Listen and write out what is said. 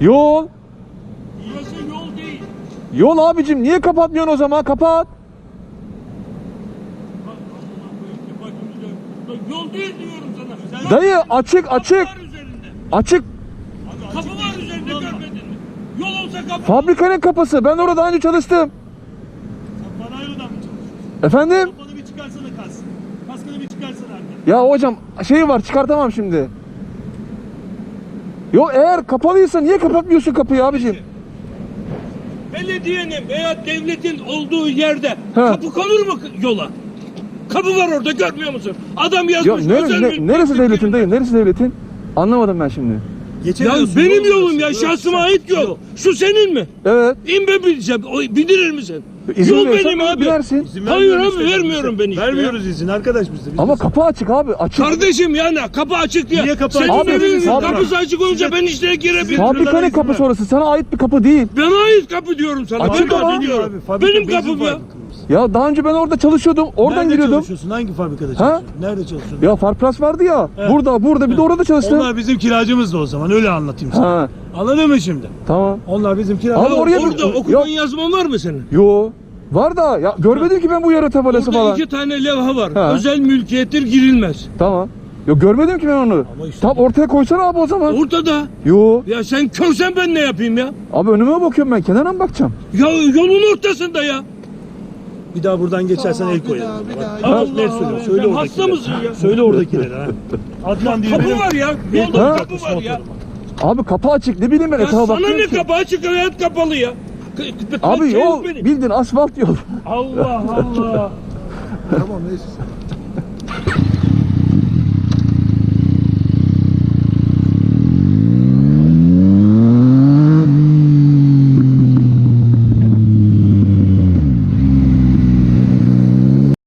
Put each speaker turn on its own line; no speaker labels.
Yol.
Burası yol değil.
Yol abicim, niye kapatmıyorsun o zaman? Kapat.
Yol değil diyorum sana.
Dayı açık açık.
Kapı var üzerinde.
Açık.
Kapı var üzerinde, görmedin mi? Yol olsa kapı.
Fabrikanın kapısı. Ben orada daha önce çalıştım.
Sen Panayro'dan mı çalışıyorsun?
Efendim?
Kafanı bir çıkarsana kaskını. Kaskını bir çıkarsana artık.
Ya hocam şey var, çıkartamam şimdi. Yo, eğer kapalıysa niye kapatmıyorsun kapıyı abicim?
Belediyenin veya devletin olduğu yerde kapı konur mu yola? Kapı var orada, görmüyor musun? Adam
Ya
yazmış. özel mülk
neresi devletin
mülkiyeti.
dayı? Neresi devletin? Anlamadım ben şimdi.
Ya
Geçemiyorsun.
benim
yol
yolum ya,
burası.
şahsıma ait yol. Şu senin mi?
Evet.
İn ben bineceğim. Bindirir misin?
İzin
Yol
verirsen
benim abi.
binersin.
İzin
Hayır
vermiyoruz
abi,
işte
vermiyorum
biz de.
ben işte.
Vermiyoruz izin arkadaş biz de. Biz
Ama
de-
kapı açık abi. Açık.
Kardeşim yani kapı açık diye.
Niye kapı
Senin
açık?
evinin
Abi,
kapısı açık olunca ben içine girebilirim.
Fabrikanın
izin
kapısı
ver.
orası. Sana ait bir kapı değil.
Bana ait kapı diyorum sana.
Açık
Ben
ama.
kapı diyorum.
Abi, fabrika,
Benim
benzin
kapım ya.
fabrikamız.
Ya daha önce ben orada çalışıyordum. Oradan
Nerede
giriyordum.
çalışıyorsun? Hangi fabrikada çalışıyorsun? Nerede çalışıyorsun?
Ya Farplas vardı ya.
He.
Burada bir de orada çalıştım.
Onlar bizim kiracımız da o zaman, öyle anlatayım sana.
Ha,
Anladın mı şimdi?
tamam.
Onlar bizim
Abi
kiracımız.
oraya bir-
Orada okuman
Yok.
yazman var mı senin?
Yo. Var da ya görmedim ki ben bu yarı tabelası
Orada
falan.
2 tane levha var.
Ha.
Özel mülkiyettir, girilmez.
Tamam. Yo görmedim ki ben onu.
Ama işte-
Tam ortaya koysana abi o zaman.
Ortada.
Yo.
Ya sen körsen ben ne yapayım ya?
Abi önüme bakıyorum ben. Kenara mı bakacağım?
Ya yolun ortasında ya.
Bir daha buradan geçersen el koyalım. Bak,
Allah
ne söylüyorsun?
Allah.
Söyle
Sen
oradakileri.
hasta mısın ya?
Söyle oradakileri ha. Adnan diye
Kapı
benim.
var ya. Yolda
Ha?
kapı var ya.
Abi kapı açık. Ne bileyim ben
Ya
etrafa
sana
bakıyorum
ne
ki.
kapı açık, hayat kapalı ya.
Abi
Şey
yol
yok benim.
bildin asfalt yol.
Allah Allah.
Tamam neyse.